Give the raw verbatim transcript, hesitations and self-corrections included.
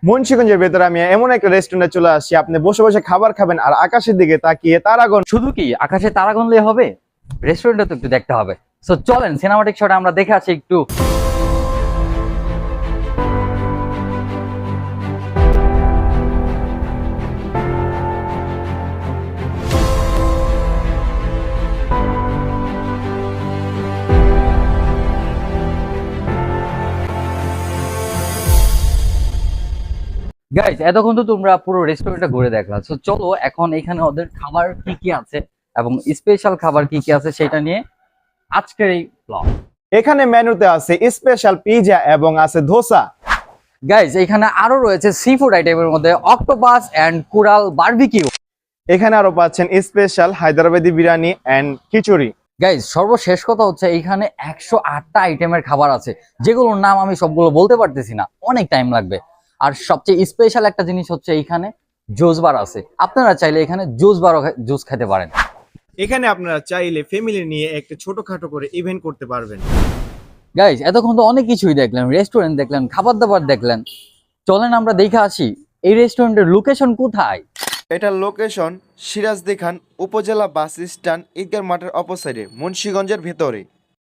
মুন্সিগঞ্জের ভেতরে আমি এমন একটা রেস্টুরেন্টে চলে আসছি, আপনি বসে বসে খাবার খাবেন আর আকাশের দিকে তাকিয়ে তারাগণ। শুধু কি আকাশে তারা গনলে হবে, রেস্টুরেন্টে তো একটু দেখতে হবে। সো চলেন সিনেমাটিক শটে আমরা দেখে আসি একটু। গাইজ এতক্ষণ তো তোমরা পুরো রেস্টুরেন্টটা ঘুরে দেখলা, সো চলো এখন এখানে ওদের খাবার কি কি আছে এবং স্পেশাল খাবার কি কি আছে সেটা নিয়ে আজকের এই ব্লগ। এখানে মেনুতে আছে স্পেশাল পিজা এবং আছে ধোসা। গাইজ এখানে আরো রয়েছে সি ফুড আইটেমের মধ্যে অক্টোপাস এন্ড কুরাল বারবিকিউ। এখানে আরো পাচ্ছেন স্পেশাল হায়দ্রাবাদি বিরিয়ানি এন্ড খিচুড়ি। গাইজ সর্বশেষ কথা হচ্ছে এইখানে একশো আটটা আইটেমের খাবার আছে, যেগুলোর নাম আমি সবগুলো বলতে পারতেছি না, অনেক টাইম লাগবে। আর সবচেয়ে স্পেশাল একটা জিনিস হচ্ছে এইখানে জুস বার আছে, আপনারা চাইলে এখানে জুস বারও জুস খেতে পারেন। এখানে আপনারা চাইলে ফ্যামিলি নিয়ে একটা ছোটখাটো করে ইভেন্ট করতে পারবেন। গাইজ এতক্ষণ তো অনেক কিছুই দেখলেন, রেস্টুরেন্ট দেখলেন, খাবার দাবার দেখলেন, চলেন আমরা দেখে আসি এই রেস্টুরেন্টের লোকেশন কোথায়। এটার লোকেশন সিরাজদিখান উপজেলা বাস স্ট্যান্ড ঈদগাহ মাঠের অপোসাইডে মুন্সিগঞ্জের ভেতরে।